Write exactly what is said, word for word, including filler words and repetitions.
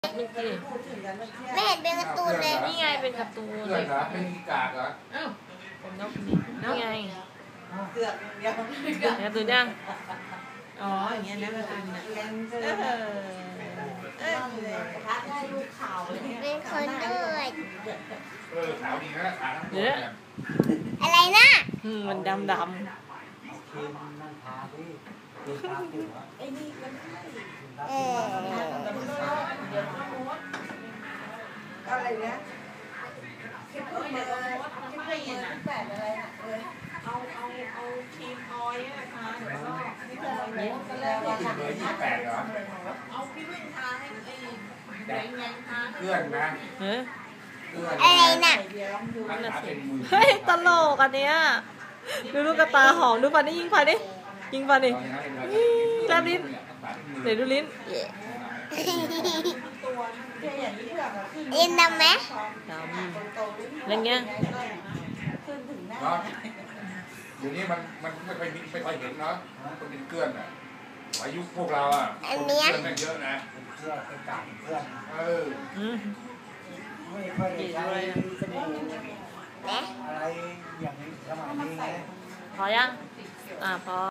มันสิไม่เห็นเป็นการ์ตูนเลยนี่ไงเป็นการ์ตูนเพื่อนเหรอเป็นกากเหรออ้าวผมนกนี่ไงเกือบเดียวการ์ตูนยังอ๋ออย่างเงี้ยนะมันอันน่ะเออเออพัดได้ลูกข่าวเลยเป็นคนด้วยเออขาวดีนะขาทั้งตัวเนี่ยอะไรนะมันดำดำเอออะไรเนี่ยคิดว่าเนี่ยคิดว่าเห็นนะแปดอะไรนะเออเอาเอาเอาทีมออยนะคะแล้วก็นี่คืออะไรเนี่ยก็แล้วว่าเบอร์ยี่สิบแปดเหรอเอาพี่วิ่งทาให้ไอ้แดงแดงทาเพื่อนนะเฮ้ยอะไรน่ะเฮ้ยตลกอันเนี้ยดูลูกกระตาหอมดูฟันนี่ยิงฟันดิยิงฟันดิแลบลิ้นเดี๋ยวดูลิ้นเอ็นดำไหมดำอะไรเงี้ยเดี๋ยวนี้มันมันไม่ค่อยไม่ค่อยเห็นเนาะคนเป็นเกลื่อนอ่ะอายุพวกเราอ่ะคนเกลื่อนแม่งเยอะนะเพื่อนเป็นต่างเพื่อนเออไม่ค่อยได้ใช้สบู่อะไรอย่างนี้สมัยนี้ไงพอยังอ่าพอ